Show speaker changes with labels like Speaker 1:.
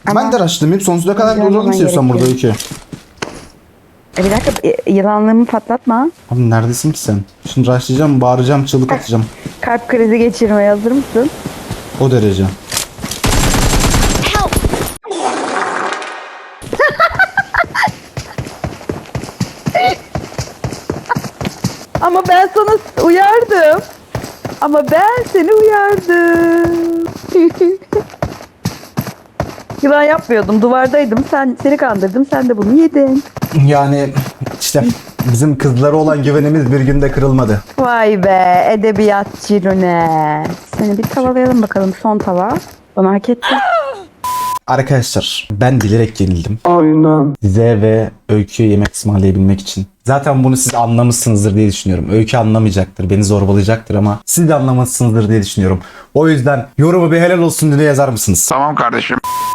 Speaker 1: Ama
Speaker 2: Ben de araştırmayayım. Sonsuza kadar
Speaker 1: Hızlı
Speaker 2: duralım
Speaker 1: olman
Speaker 2: istiyorsan burada Öykü.
Speaker 1: bir dakika yılanlığımı patlatma.
Speaker 2: Abi neredesin ki sen? Şimdi rushlayacağım, bağıracağım, çığlık atacağım.
Speaker 1: Kalp krizi geçirmeye hazır mısın?
Speaker 2: O derece.
Speaker 1: Ama ben sana uyardım. Ama ben seni uyardım. Yılan yapmıyordum. Duvardaydım. Seni kandırdım. Sen de bunu yedin.
Speaker 2: Yani işte bizim kızlara olan güvenimiz bir günde kırılmadı.
Speaker 1: Vay be edebiyatçı Rune. Seni bir tavalayalım bakalım. Son tava. Bana hak etti.
Speaker 2: Arkadaşlar ben bilerek yenildim.
Speaker 3: Aynen.
Speaker 2: Size ve Öykü'ye yemek ısmarlayabilmek için. Zaten bunu siz anlamışsınızdır diye düşünüyorum. Öykü anlamayacaktır, beni zorbalayacaktır ama siz de anlamışsınızdır diye düşünüyorum. O yüzden yorumu bir helal olsun diye yazar mısınız?
Speaker 4: Tamam kardeşim.